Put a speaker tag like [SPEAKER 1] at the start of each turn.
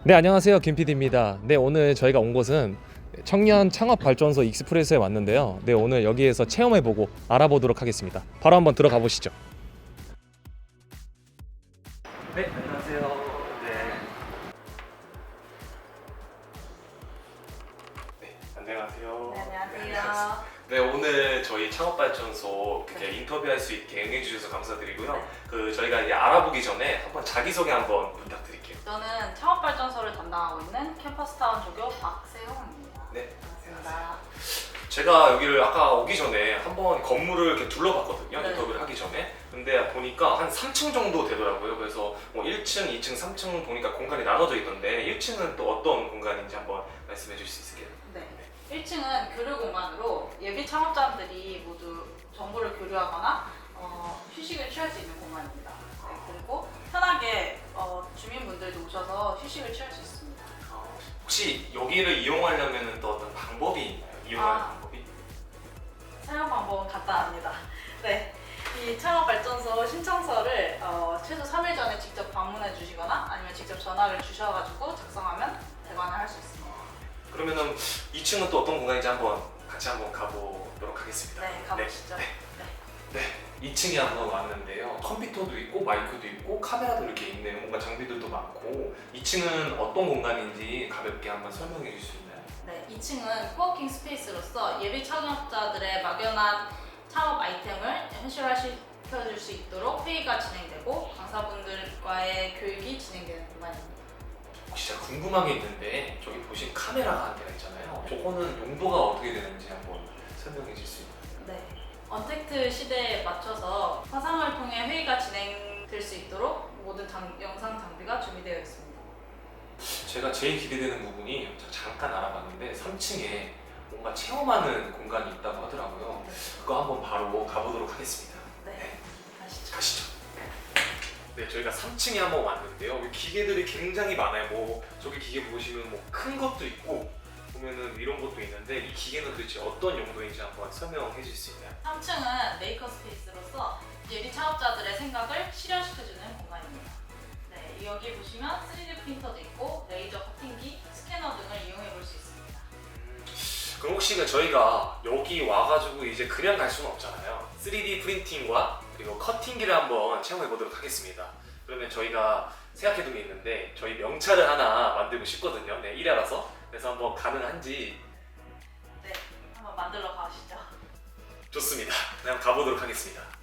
[SPEAKER 1] 네, 안녕하세요. 김 PD입니다. 네, 오늘 저희가 온 곳은 청년 창업 발전소 익스프레스에 왔는데요. 네, 오늘 여기에서 체험해보고 알아보도록 하겠습니다. 바로 한번 들어가 보시죠. 네, 안녕하세요. 네, 안녕하세요.
[SPEAKER 2] 네, 안녕하세요.
[SPEAKER 1] 네, 오늘 저희 창업 발전소 인터뷰할 수 있게 응해주셔서 감사드리고요.
[SPEAKER 2] 네.
[SPEAKER 1] 저희가 이제 알아보기 전에 한번 자기소개 한번 부탁드릴게요.
[SPEAKER 2] 저는 창업발전소를 담당하고 있는 캠퍼스타운 조교 박세용입니다.
[SPEAKER 1] 네,
[SPEAKER 2] 반갑습니다.
[SPEAKER 1] 제가 여기를 아까 오기 전에 한번 건물을 이렇게 둘러봤거든요.
[SPEAKER 2] 네.
[SPEAKER 1] 인터뷰를 하기 전에. 근데 보니까 한 3층 정도 되더라고요. 그래서 뭐 1층, 2층, 3층 보니까 공간이 나눠져 있던데 1층은 또 어떤 공간인지 한번 말씀해 주실 수 있을까요?
[SPEAKER 2] 네. 1층은 교류 공간으로 예비 창업자들이 모두 정보를 교류하거나 휴식을 취할 수 있는 공간입니다. 네, 그리고 편하게 주민분들도 오셔서 휴식을 취할 수 있습니다.
[SPEAKER 1] 혹시 여기를 이용하려면 또 어떤 방법이 있나요? 이용하는
[SPEAKER 2] 아.
[SPEAKER 1] 방법이?
[SPEAKER 2] 사용 방법은 간단합니다. 네. 이 창업발전소 신청서를 최소 3일 전에 직접 방문해 주시거나 아니면 직접 전화를 주셔가지고 작성하면 대관을 할 수 있습니다.
[SPEAKER 1] 그러면은 2층은 또 어떤 공간인지 한번 같이 한번 가보도록 하겠습니다.
[SPEAKER 2] 네, 가보시죠.
[SPEAKER 1] 네. 네, 2층에 한번 왔는데요. 컴퓨터도 있고 마이크도 있고 카메라도 이렇게 있는 뭔가 장비들도 많고 2층은 어떤 공간인지 가볍게 한번 설명해 주실 수 있나요?
[SPEAKER 2] 네, 2층은 코워킹 스페이스로서 예비 창업자들의 막연한 창업 아이템을 현실화시켜줄 수 있도록 회의가 진행되고 강사분들과의 교육이 진행되는 공간입니다.
[SPEAKER 1] 혹시 제가 궁금한 게 있는데 저기 보신 카메라가 한 대가 있잖아요. 저거는 용도가 어떻게 되는지 한번 설명해 주실 수 있나요?
[SPEAKER 2] 네, 언택트 시대에 맞춰서 화상을 통해 회의가 진행될 수 있도록 모든 영상 장비가 준비되어 있습니다.
[SPEAKER 1] 제가 제일 기대되는 부분이 잠깐 알아봤는데 3층에 뭔가 체험하는 공간이 있다고 하더라고요. 그거 한번 바로 가보도록 하겠습니다.
[SPEAKER 2] 네, 가시죠.
[SPEAKER 1] 가시죠. 네, 저희가 3층에 한번 왔는데요. 여기 기계들이 굉장히 많아요. 뭐 저기 기계 보시면 뭐 큰 것도 있고 보면은 이런 것도 있는데 이 기계는 도대체 어떤 용도인지 한번 설명해 주실 수 있나요?
[SPEAKER 2] 3층은 메이커 스페이스로서 예비 창업자들의 생각을 실현시켜주는 공간입니다. 네, 여기 보시면 3D 프린터도 있고 레이저 커팅기, 스캐너 등을 이용해 볼 수 있습니다.
[SPEAKER 1] 그럼 혹시 저희가 여기 와가지고 이제 그냥 갈 수는 없잖아요. 3D 프린팅과 그리고 커팅기를 한번 체험해 보도록 하겠습니다. 그러면 저희가 생각해둔 게 있는데 저희 명찰을 하나 만들고 싶거든요. 네, 일하라서. 그래서 한번 가능한지.
[SPEAKER 2] 네, 한번 만들러 가시죠.
[SPEAKER 1] 좋습니다. 그냥 가보도록 하겠습니다.